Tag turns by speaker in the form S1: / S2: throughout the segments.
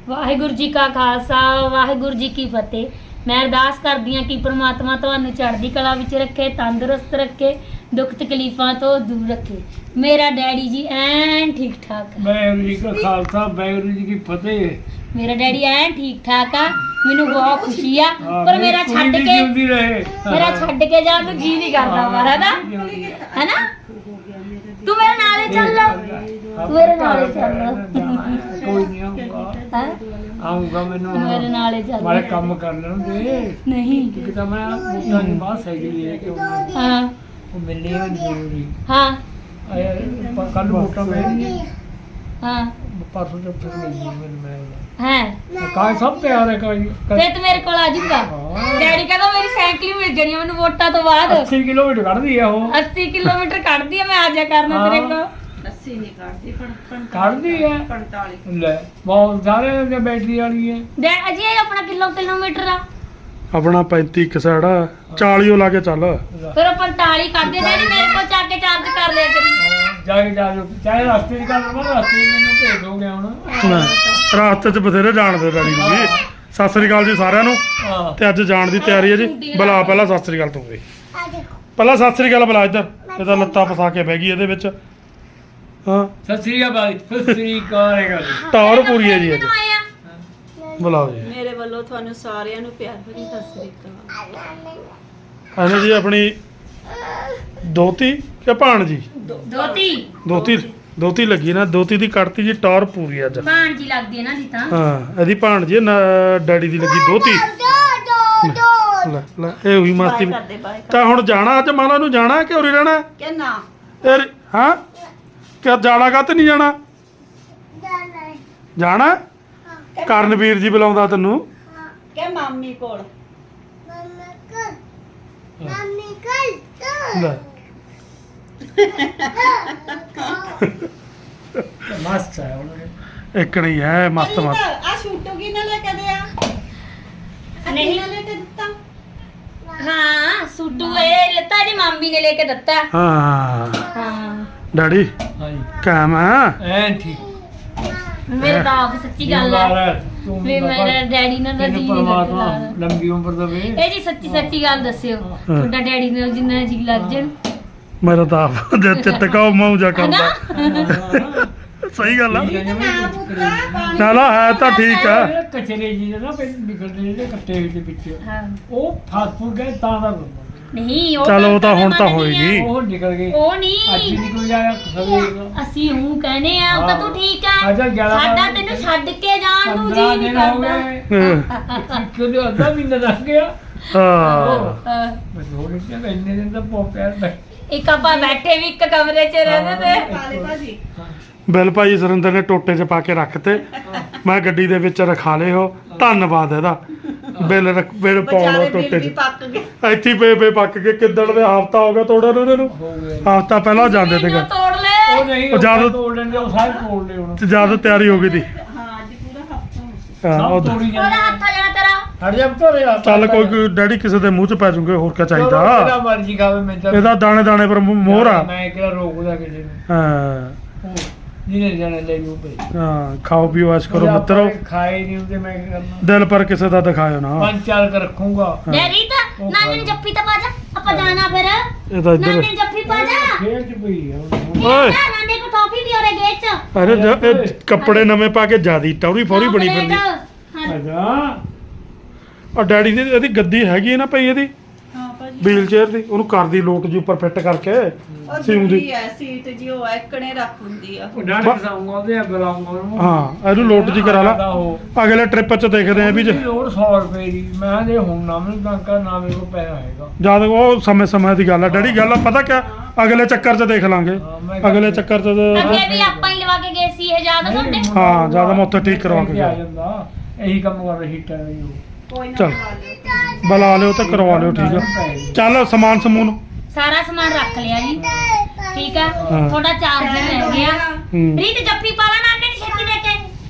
S1: ਵਾਹਿਗੁਰੂ ਜੀ ਕਾ ਖਾਲਸਾ ਵਾਹਿਗੁਰੂ ਜੀ ਕੀ ਫਤਿਹ। ਮੈਂ ਅਰਦਾਸ ਕਰਦੀ ਹਾਂ ਕਿ ਪ੍ਰਮਾਤਮਾ ਤੁਹਾਨੂੰ ਚੜ੍ਹਦੀ ਕਲਾ ਵਿੱਚ ਰੱਖੇ, ਤੰਦਰੁਸਤ ਰੱਖੇ, ਦੁੱਖ ਤਕਲੀਫਾਂ ਤੋਂ ਦੂਰ ਰੱਖੇ। ਮੇਰਾ ਡੈਡੀ ਜੀ ਐਨ ਠੀਕ ਠਾਕ ਹੈ।
S2: ਵਾਹਿਗੁਰੂ ਜੀ ਕਾ ਖਾਲਸਾ ਵਾਹਿਗੁਰੂ ਜੀ ਕੀ ਫਤਿਹ।
S1: ਮੇਰਾ ਡੈਡੀ ਐਨ ਠੀਕ ਠਾਕ ਆ, ਮੈਨੂੰ ਬਹੁਤ ਖੁਸ਼ੀ ਆ। ਪਰ ਮੇਰਾ ਛੱਡ ਕੇ ਜਾਣ ਨੂੰ ਜੀ ਨਹੀਂ ਕਰਦਾ ਮਾਰਾ ਨਾ, ਹੈਨਾ। ਤੂੰ ਮੇਰੇ ਨਾਲੇ ਚੱਲ, ਤੂੰ ਮੇਰੇ ਨਾਲੇ ਚੱਲ।
S2: ਕੋਈ ਨਹੀਂ ਆਊਗਾ ਮੈਨੂੰ
S1: ਮੇਰੇ ਨਾਲੇ ਚੱਲ,
S2: ਮਾਰੇ ਕੰਮ ਕਰ ਲੈਣ ਦੇ।
S1: ਨਹੀਂ
S2: ਕਿ ਤਾਂ ਮੈਂ ਮੋਟਾਂ ਦੀ ਬਾਤ ਸਾਈਕਲ ਲੈ ਕੇ ਆਉਣਾ,
S1: ਹਾਂ
S2: ਉਹ ਮਿਲਣੀ ਹੈ ਜ਼ਰੂਰੀ।
S1: ਹਾਂ
S2: ਕੱਲ ਮੋਟਾ ਮਿਲਣੀ
S1: ਹਾਂ
S2: ਪਰਸੋਂ ਤੋਂ ਫਿਰ ਮਿਲਣੀ ਮੈਨੂੰ ਮੈਂ
S1: ਹੈ।
S2: ਕਾਹ ਸਭ ਤਿਆਰ ਹੈ ਕੋਈ
S1: ਫੇਰ ਤੂੰ ਮੇਰੇ ਕੋਲ ਆ ਜਾਊਗਾ। ਡੈਡੀ ਕਹਿੰਦਾ ਮੇਰੀ ਸਾਈਕਲ ਹੀ ਮਿਲ ਜਾਣੀ ਮੈਨੂੰ ਵੋਟਾਂ ਤੋਂ ਬਾਅਦ।
S2: 80 ਕਿਲੋਮੀਟਰ ਕੱਢਦੀ ਆ ਉਹ।
S1: 80 ਕਿਲੋਮੀਟਰ ਕੱਢਦੀ ਆ, ਮੈਂ ਆ ਜਾ ਕਰਨਾ ਤੇਰੇ ਕੋਲ।
S3: 80 ਨਹੀਂ ਕੱਢਦੀ,
S2: ਕੱਢਦੀ ਹੈ
S3: 45
S2: ਲੈ ਬਹੁਤ ਸਾਰੇ ਦੀ ਬੈਟਰੀ ਵਾਲੀ ਹੈ।
S1: ਅਜੇ ਆਪਣਾ ਕਿਲੋਮੀਟਰ ਆ
S4: ਆਪਣਾ 35 ਇੱਕ ਸਾਈਡ 40 ਓ ਲਾ ਕੇ ਚੱਲ।
S1: ਫਿਰ ਉਹ 45 ਕਰਦੇ ਡੈਡੀ ਮੇਰੇ ਕੋਲ ਚੱਕ ਕੇ ਚਾਰਜ ਕਰ ਲਿਆ ਕਰੀ।
S2: ਜਾ ਕੇ ਚਾਹੇ ਰਸਤੇ 'ਚ ਕਰ ਲਵਾਂ, ਰਸਤੇ 'ਚ ਮੈਨੂੰ ਭੇਜ ਦੋਗੇ ਹੁਣ।
S4: ਰਾਸਤੇ 'ਚ ਬਥੇਰੇ ਜਾਣਦੇ ਡੈਡੀ ਨੂੰ ਜੀ। ਸਤਿ ਸ੍ਰੀ ਅਕਾਲ ਜੀ ਸਾਰਿਆਂ ਨੂੰ।
S2: ਹਾਂ
S4: ਤੇ ਅੱਜ ਜਾਣ ਦੀ ਤਿਆਰੀ ਹੈ ਜੀ। ਬੁਲਾ ਪਹਿਲਾਂ ਸਤਿ ਸ੍ਰੀ ਅਕਾਲ ਤੂੰ ਵੀ। ਪਹਿਲਾਂ ਸਤਿ ਸ੍ਰੀ ਅਕਾਲ ਬੁਲਾ ਇੱਧਰ। ਇਹਦਾ ਲੱਤਾਂ ਫਸਾ ਕੇ ਬਹਿ ਗਈ ਇਹਦੇ ਵਿੱਚ। ਹਾਂ
S2: ਸਤਿ ਸ੍ਰੀ ਅਕਾਲ, ਸਤਿ ਸ੍ਰੀ ਅਕਾਲ।
S4: ਟੌਰ ਪੂਰੀ ਹੈ ਜੀ ਅੱਜ। ਬੁਲਾਓ ਜੀ।
S3: ਮੇਰੇ ਵੱਲੋਂ ਤੁਹਾਨੂੰ ਸਾਰਿਆਂ ਨੂੰ ਪਿਆਰ ਭਰੀ ਸਤਿ ਸ੍ਰੀ ਅਕਾਲ।
S4: ਇਹਨੇ ਜੀ ਆਪਣੀ ਦੋਤੀ ਕਿ ਭਾਣਜੀ ਦੋਤੀ ਲੱਗੀ ਨਾ, ਦੋਤੀ ਦੀ ਕੱਢਤੀ ਜੀ ਟੌਰ ਪੂਰੀ ਅੱਜ।
S1: ਭਾਣਜੀ ਲੱਗਦੀ ਹੈ ਨਾ ਜੀ ਤਾਂ।
S4: ਹਾਂ ਇਹਦੀ ਭਾਣਜੀ ਡੈਡੀ ਦੀ ਲੱਗੀ ਦੋਤੀ। ਲੈ ਲੈ ਇਹ ਹੋਈ ਮਸਤੀ। ਤਾਂ ਹੁਣ ਜਾਣਾ ਅੱਜ ਮਾਲਾ ਨੂੰ ਜਾਣਾ ਕਿ ਉਰੇ ਰਹਿਣਾ
S3: ਕਿ ਨਾ?
S4: ਇਹ ਹਾਂ ਕਿ ਜਾਣਾ ਕਾ ਤੇ ਨਹੀਂ ਜਾਣਾ? ਜਾਣਾ ਕਰਨਵੀਰ ਜੀ ਬੁਲਾਉਂਦਾ ਤੈਨੂੰ
S3: ਕਿ ਮਾਮੀ ਕੋਲ।
S4: ਲੈ
S2: ਮਸਤ ਹੈ ਉਹਨੇ।
S4: ਇੱਕ ਨਹੀਂ ਹੈ ਮਸਤ ਮਸਤ।
S3: ਆ ਸ਼ੂਟੋ ਕੀ ਨਾ ਲੈ ਕੇ ਦਿਆ?
S1: ਨਹੀਂ
S3: ਲੈ ਕੇ ਦਿੱਤਾ।
S1: ਹਾਂ ਸੂਟੂ ਇਹ ਲੱਤਾ ਦੀ ਮਾਮੀ ਨੇ ਲੈ ਕੇ ਦਿੱਤਾ।
S4: ਹਾਂ
S1: ਹਾਂ
S4: ਡੈਡੀ
S2: ਹਾਂਜੀ
S4: ਕਾਮ ਹੈ
S2: ਐਨ ਠੀਕ।
S1: ਮੇਰੇ ਤਾਂ ਆਪ ਸੱਚੀ ਗੱਲ ਹੈ ਵੀ ਮੇਰਾ ਡੈਡੀ ਨਾਲ ਤਾਂ ਜੀ
S2: ਪਰਮਾਤਮਾ
S1: ਲੱਗਦਾ।
S2: ਲੰਬੀ ਉਮਰ ਦੇਵੇ।
S1: ਇਹ ਜੀ ਸੱਚੀ ਗੱਲ ਦੱਸਿਓ, ਤੁਹਾਡਾ ਡੈਡੀ ਨਾਲ ਜਿੰਨਾ ਜੀ ਲੱਗ ਜਾਣ।
S4: ਮੇਰਾ ਤਾਂ ਆਪ ਦੇ ਚਿੱਤ ਕਾ ਮੌਜਾ ਕਰਦਾ। ਸਹੀ ਗੱਲ ਆ। ਨਾ ਨਾ ਹੈ ਤਾਂ ਠੀਕ ਆ।
S2: ਕਚਰੇ ਜੀ ਨਾ ਨਿਕਲਦੇ ਜਿਹੜੇ ਕੱਟੇ ਹੋਏ ਦੇ ਵਿੱਚ
S1: ਹਾਂ
S2: ਉਹ ਫਸ ਫੁਸ ਗਏ ਤਾਂ ਦਾ
S1: ਨਹੀਂ ਉਹ
S4: ਚਲੋ ਉਹ ਤਾਂ ਹੁਣ ਤਾਂ ਹੋਏਗੀ।
S2: ਉਹ ਨਿਕਲ ਗਏ।
S1: ਉਹ
S2: ਅੱਜ
S1: ਨਹੀਂ
S2: ਨਿਕਲ ਜਾਇਆ ਸਵੇਰ
S1: ਅਸੀਂ ਹੂੰ ਕਹਿੰਦੇ ਆ ਉਹ ਤਾਂ ਤੂੰ ਠੀਕ ਆ।
S2: ਅੱਛਾ 11
S1: ਸਾਡਾ ਤੈਨੂੰ ਛੱਡ ਕੇ ਜਾਣ ਨੂੰ ਜੀ
S2: 15
S1: ਨਹੀਂ
S2: ਦਿਨ ਹੋ
S1: ਕਰਦਾ।
S2: ਗਏ। ਕਿਉਂ ਅੱਧਾ ਮਹੀਨਾ ਦੱਸ ਗਿਆ।
S4: ਹਾਂ
S1: ਹਾਂ।
S2: ਮੈਂ ਥੋੜੀ ਜਿਹੀ ਇੰਨੇ ਦਿਨ ਤਾਂ ਪੋਪਿਆ
S1: ਇੱਕ ਆਪਾਂ ਬੈਠੇ ਵੀ ਇੱਕ ਕਮਰੇ 'ਚ ਰਹਿੰਦੇ ਤੇ।
S3: ਪਾਲੇ ਭਾਜੀ
S4: ਬਿੱਲ ਭਾਈ ਸੁਰਿੰਦਰ ਨੇ ਟੋਟੇ 'ਚ ਪਾ ਕੇ ਰੱਖਤੇ। ਮੈਂ ਗੱਡੀ ਦੇ ਵਿੱਚ ਰਖਾ ਲਏ ਉਹ। ਧੰਨਵਾਦ ਇਹਦਾ। ਬਿੱਲ ਪਾਉਣਾ
S3: ਵਿਚਾਰੇ
S4: ਟੋਟੇ
S3: ਬਿੱਲ ਵੀ
S4: 'ਚ
S3: ਪੱਕ ਗਏ।
S4: ਇੱਥੇ ਪੇ ਪੱਕ ਕੇ ਕਿੱਦਣ ਦੇ ਹਫਤਾ ਹੋ ਗਿਆ ਤੋੜਨ ਉਹਨਾਂ ਨੂੰ।
S2: ਹੋ ਗਏ।
S4: ਹਫਤਾ ਪਹਿਲਾਂ ਜਾਂਦੇ ਤੇ
S1: ਇਹਨੂੰ ਤੋੜ ਲੈ।
S2: ਉਹ ਨਹੀਂ
S4: ਉਹ ਜਦ-
S2: ਤੋੜ ਲੈਂਦੇ ਉਹ ਸਾਰੇ ਤੋੜ ਲਏ ਹੁਣ।
S4: ਜਦ ਤਿਆਰੀ ਹੋ ਗਈ ਤੀ।
S3: ਹਾਂ ਅੱਜ ਪੂਰਾ ਹਫਤਾ ਹੋ ਗਿਆ।
S4: ਹਾਂ,
S2: ਸਭ
S4: ਉਹ
S2: ਤੋੜੀ
S1: ਉਹਦਾ
S2: ਜਾਂਦੇ।
S1: ਹੱਥ ਆ ਜਾਣਾ ਤੇਰਾ।
S2: ਹਟ ਜਾ ਤੋਰੇ ਆ।
S4: ਚੱਲ ਕੋਈ ਡੈਡੀ ਕਿਸੇ ਦੇ ਮੂੰਹ 'ਚ ਪੈ ਜੂਗੇ, ਹੋਰ ਕਿਆ
S2: ਜਿਹੜਾ
S4: ਚਾਹੀਦਾ।
S2: ਮਰਜ਼ੀ ਖਾਵੇ ਮੈਂ ਤਾਂ
S4: ਇਹਦਾ ਦਾਣੇ ਦਾਣੇ ਪਰ ਮੋਹਰ ਆ।
S2: ਮੈਂ ਕਿਹੜਾ ਰੋਕਦਾ ਕਿਸੇ ਨੂੰ।
S4: ਹਾਂ
S2: ਉਹ ਜਿਹਨੇ ਜਾਣਾ ਲੈ ਜੂ ਭਈ।
S4: ਹਾਂ ਖਾਓ ਪੀਓ ਐਸ਼ ਕਰੋ ਮਿੱਤਰੋ।
S2: ਖਾਏ ਨਹੀਂ ਹੁੰਦੇ ਮੈਂ ਕੀ ਕਰਨਾ।
S4: ਦਿਲ ਪਰ ਕਿਸੇ ਦਾ ਦਿਖਾਇਓ ਨਾ।
S2: ਪੰਜ ਚਾਰ ਕਰ ਰੱਖੂੰਗਾ।
S1: ਡੈਡੀ ਤਾਂ ਨਾਨੀ ਨੂੰ ਜੱਫੀ ਤਾਂ ਪਾ ਜਾ, ਆਪਾਂ ਜਾਣਾ ਫਿਰ।
S4: ਇਹ ਤਾਂ ਇੱਧਰ
S1: ਨਾਨੀ ਨੂੰ ਜੱਫੀ ਪਾ ਜਾ।
S2: ਫੇਰ ਚ ਪਈ ਆ ਹੁਣ।
S4: ਓਏ
S1: ਨਾਨੀ ਕੋ ਟੋਪੀ ਵੀ ਔਰੇ ਗੇਟ 'ਚ।
S4: ਅਰੇ ਇਹ ਕੱਪੜੇ ਨਵੇਂ ਪਾ ਕੇ ਜਿਆਦੀ ਟੌਰੀ ਫੌਰੀ ਬਣੀ ਫਿਰਦੀ।
S1: ਹਾਂ।
S2: ਅੱਛਾ
S4: ਔਰ ਡੈਡੀ ਦੀ ਇਹਦੀ ਗੱਦੀ ਹੈਗੀ ਹੈ ਨਾ ਪਈ ਇਹਦੀ
S3: ਹਾਂ ਭਾਜੀ
S4: ਵੀਲ ਚੇਅਰ ਦੀ, ਉਹਨੂੰ ਕਰਦੀ ਲੋਟ ਜੀ ਉੱਪਰ ਫਿੱਟ ਕਰਕੇ
S3: ਉਹ
S4: ਸਿਉਂਦੀ।
S3: ਜੀ ਹੈ ਸੀਟ ਜੀ ਉਹ ਐਕਣੇ ਰੱਖ ਹੁੰਦੀ ਆ।
S2: ਉਹ ਡਾਂਟ ਕਸਾਉਂਗਾ ਉਹਦੇ ਬੁਲਾਉਂਗਾ ਉਹਨੂੰ।
S4: ਹਾਂ ਇਹਨੂੰ ਲੋਟ ਜੀ ਕਰਾ ਲਾ।
S2: ਉਹ
S4: ਅਗਲੇ ਟ੍ਰਿਪ 'ਚ ਦੇਖਦੇ ਆਂ ਵੀ
S2: ਲੋੜ 100 ਰੁਪਏ ਦੀ। ਮੈਂ ਜੇ ਹੁਣ ਨਾ ਮੈਨੂੰ ਟਾਂਕਾ ਨਾ ਮੇਰੇ ਕੋਲ ਪੈਸਾ ਹੈਗਾ।
S4: ਜਦ ਉਹ ਸਮੇਂ ਦੀ ਗੱਲ ਆ ਡੈਡੀ। ਗੱਲ ਆ ਪਤਾ ਕਿਆ, ਅਗਲੇ ਚੱਕਰ 'ਚ ਦੇਖ ਲਾਂਗੇ।
S2: ਹਾਂ, ਮੈਂ
S4: ਅਗਲੇ ਚੱਕਰ 'ਚ
S1: ਅੱਗੇ ਵੀ ਆਪਾਂ ਹੀ ਲਵਾ ਕੇ ਗਏ ਸੀ ਇਹ ਯਾਦ ਤੁਹਾਡੇ।
S4: ਹਾਂ ਜਿਆਦਾ ਮੈਂ ਉੱਥੇ ਠੀਕ ਕਰਵਾ ਕੇ
S2: ਆ
S4: ਗਿਆ।
S2: ਜਾਂਦਾ। ਇਹੀ ਕੰਮ ਕਰ ਰਹੀ ਹੀਟਰ ਦੀ ਉਹ।
S3: ਕੋਈ ਨਾ
S4: ਚੱਲ।
S3: ਬਣਾ ਲਿਓ।
S4: ਬੁਲਾ ਲਿਓ ਤੇ ਕਰਵਾ ਲਿਓ ਠੀਕ ਆ। ਚੱਲ ਸਮਾਨ ਸਮੂਨ।
S1: ਸਾਰਾ ਸਮਾਨ ਰੱਖ ਲਿਆ ਜੀ, ਠੀਕ ਆ।
S4: ਹਾਂ।
S1: ਥੋੜਾ ਚਾਰਜਰ ਰਹਿ ਗਿਆ।
S4: ਹੂੰ।
S1: ਰੀਤ ਜੱਫੀ ਪਾ ਲਾ ਨਾਨੀ ਨੂੰ ਛੇਤੀ ਦੇ